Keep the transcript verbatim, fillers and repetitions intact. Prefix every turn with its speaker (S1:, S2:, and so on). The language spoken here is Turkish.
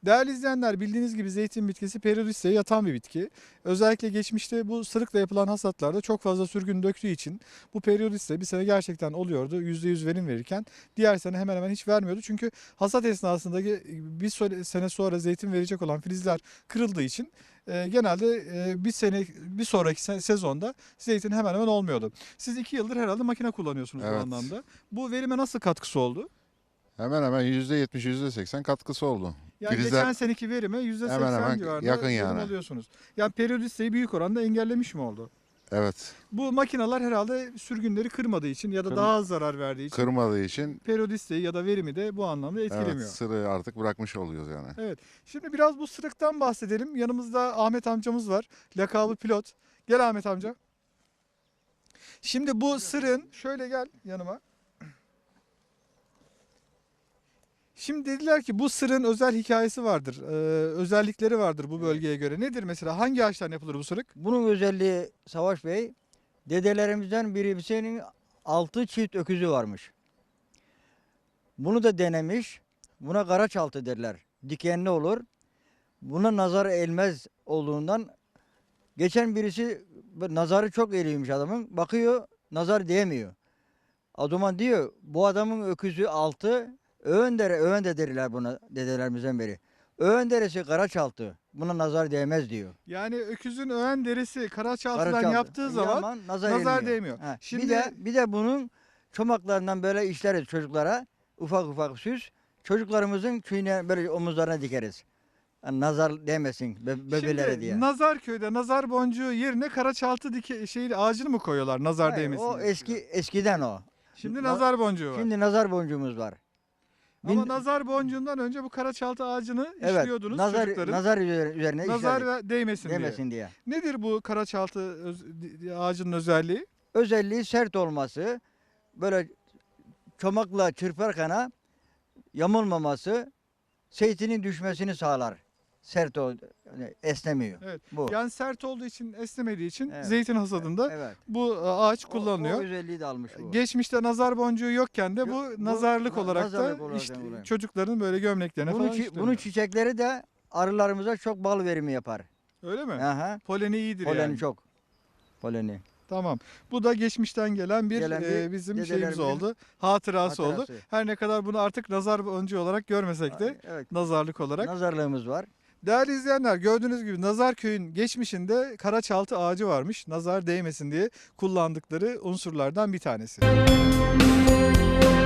S1: Değerli izleyenler, bildiğiniz gibi zeytin bitkisi periyodisteye yatan bir bitki. Özellikle geçmişte bu sırıkla yapılan hasatlarda çok fazla sürgün döktüğü için bu periyodiste bir sene gerçekten oluyordu. yüzde yüz verim verirken diğer sene hemen hemen hiç vermiyordu. Çünkü hasat esnasındaki bir sene sonra zeytin verecek olan filizler kırıldığı için e, genelde e, bir sene bir sonraki se- sezonda zeytin hemen hemen olmuyordu. Siz iki yıldır herhalde makine kullanıyorsunuz bu
S2: Evet.
S1: anlamda. Bu verime nasıl katkısı oldu?
S2: Hemen hemen yüzde yetmiş yüzde seksen katkısı oldu.
S1: Yani
S2: Filizler
S1: geçen seneki verime yüzde seksen
S2: hemen hemen
S1: civarında
S2: yakın
S1: verim
S2: yani.
S1: alıyorsunuz. Yani periyodisteyi büyük oranda engellemiş mi oldu?
S2: Evet.
S1: Bu makineler herhalde sürgünleri kırmadığı için ya da
S2: Kır-
S1: daha az zarar verdiği için
S2: Kırmadığı için
S1: periyodisteyi ya da verimi de bu anlamda
S2: evet,
S1: etkilemiyor.
S2: sırığı artık bırakmış oluyoruz yani.
S1: Evet. Şimdi biraz bu sırıktan bahsedelim. Yanımızda Ahmet amcamız var. Lakabı pilot. Gel Ahmet amca. Şimdi bu sırığın şöyle gel yanıma. Şimdi dediler ki bu sırığın özel hikayesi vardır. Ee, özellikleri vardır bu bölgeye göre. Nedir mesela? Hangi ağaçtan yapılır bu sırık?
S3: Bunun özelliği Savaş Bey, dedelerimizden birisinin altı çift öküzü varmış. Bunu da denemiş. Buna karaçaltı derler. Dikenli olur. Buna nazar elmez olduğundan geçen birisi nazarı çok eğriymiş adamın. Bakıyor nazar değmiyor. O zaman diyor bu adamın öküzü altı öğün dere, öğün de derler buna dedelerimizden beri. Öğün deresi karaçaltı. Buna nazar değmez diyor.
S1: Yani öküzün öğen derisi karaçaltıdan
S3: Karaçaltı.
S1: yaptığı zaman
S3: Yaman, nazar,
S1: nazar
S3: elmiyor.
S1: değmiyor.
S3: Ha,
S1: Şimdi-
S3: bir de bir de bunun çomaklarından böyle işleriz çocuklara. Ufak ufak süs. Çocuklarımızın tüyüne böyle omuzlarına dikeriz. Yani nazar değmesin be, bebelere
S1: Şimdi
S3: diye.
S1: Nazarköy'de nazar boncuğu yerine karaçaltı dike şeyi ağacını mı koyuyorlar nazar
S3: Hayır,
S1: değmesin
S3: o
S1: diye?
S3: eski eskiden o.
S1: Şimdi
S3: Na-
S1: nazar boncuğu var.
S3: Şimdi nazar boncuğumuz var.
S1: Ama
S3: Bin-
S1: nazar boncuğundan önce bu karaçaltı ağacını
S3: evet,
S1: işliyordunuz
S3: nazar
S1: çocukların.
S3: nazar üzerine, üzerine
S1: Nazar
S3: işlerdik,
S1: ve değmesin,
S3: değmesin diye.
S1: diye. Nedir bu karaçaltı öz- ağacının özelliği?
S3: Özelliği sert olması, böyle çomakla çırparken yamulmaması, zeytinin düşmesini sağlar. Sert o, yani esnemiyor.
S1: Evet.
S3: Bu.
S1: Yani sert olduğu için, esnemediği için
S3: Evet.
S1: zeytin hasadında
S3: Evet.
S1: bu ağaç
S3: O-
S1: kullanılıyor.
S3: O, özelliği de almış bu.
S1: Geçmişte nazar boncuğu yokken de bu
S3: Yok, bu
S1: nazarlık
S3: na-
S1: olarak
S3: nazarlık
S1: da
S3: olarak
S1: işte
S3: kullanılıyor.
S1: çocukların böyle gömleklerine
S3: bunun,
S1: falan
S3: çi-
S1: işleniyor.
S3: bunun çiçekleri de arılarımıza çok bal verimi yapar.
S1: Öyle mi?
S3: Aha.
S1: Poleni iyidir
S3: Poleni
S1: yani.
S3: çok. Poleni.
S1: Tamam. Bu da geçmişten gelen bir,
S3: Gelen bir
S1: e, bizim şeyimiz
S3: dedelerimizin
S1: oldu. Hatırası, oldu.
S3: hatırası.
S1: Her ne kadar bunu artık nazar boncuğu olarak görmesek de
S3: Evet.
S1: nazarlık olarak.
S3: Nazarlığımız var.
S1: Değerli izleyenler, gördüğünüz gibi Nazarköy'ün geçmişinde karaçaltı ağacı varmış. Nazar değmesin diye kullandıkları unsurlardan bir tanesi.